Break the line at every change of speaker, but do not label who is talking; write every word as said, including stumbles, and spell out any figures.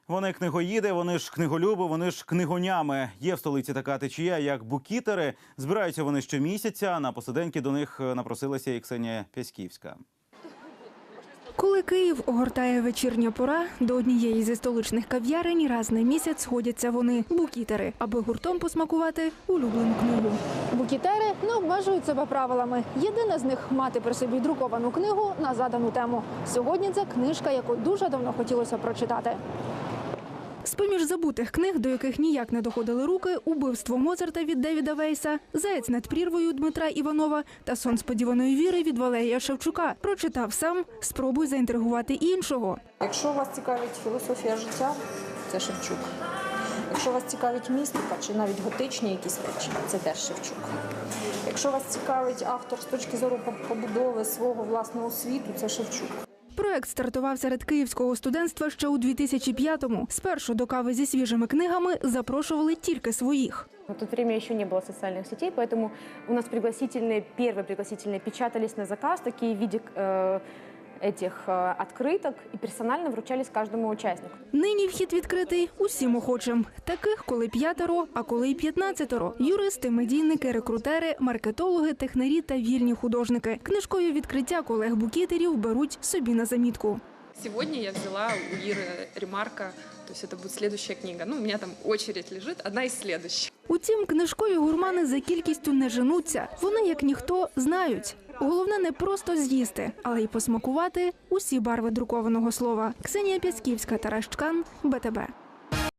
Вони книгоїди, вони ж книголюби, вони ж книгонями. Є в столиці така течія, як букітери. Збираються вони щомісяця. На посиденьки до них напросилася і Ксенія Пяськівська.
Коли Київ огортає вечірня пора, до однієї зі столичних кав'ярень раз на місяць сходяться вони – букітери, аби гуртом посмакувати улюблену книгу.
Букітери не обмежують себе правилами. Єдине з них – мати при собі друковану книгу на задану тему. Сьогодні це книжка, яку дуже давно хотілося прочитати.
З-поміж забутих книг, до яких ніяк не доходили руки, «Убивство Моцарта» від Девіда Вейса, «Заєць над прірвою» Дмитра Іванова та «Сон сподіваної віри» від Валерія Шевчука. Прочитав сам, спробуй заінтригувати іншого.
Якщо вас цікавить філософія життя, це Шевчук. Якщо вас цікавить містика чи навіть готичні якісь речі, це теж Шевчук. Якщо вас цікавить автор з точки зору побудови свого власного світу, це Шевчук.
Проект стартував серед київського студентства ще у дві тисячі п'ятому. Спершу до кави зі свіжими книгами запрошували тільки своїх.
В то время еще не было социальных сетей, поэтому у нас пригласительные, первые пригласительные печатались на заказ, такие в виде э, этих э, открыток, и персонально вручались каждому участнику.
Нині вхід відкритий усім охочим. Таких коли п'ятеро, а коли й п'ятнадцятеро. Юристи, медійники, рекрутери, маркетологи, технарі та вільні художники. Книжкою відкриття колег-букітерів беруть собі на замітку.
Сегодня я взяла у Иры ремарка, то есть это будет следующая книга. Ну, у меня там очередь лежит, одна из следующих.
Утім, книжкові гурмани за кількістю не женуться. Вони, як ніхто, знають. Головне не просто з'їсти, але й посмакувати усі барви друкованого слова. Ксенія Пяськівська, Тарас Чкан, Б Т Б.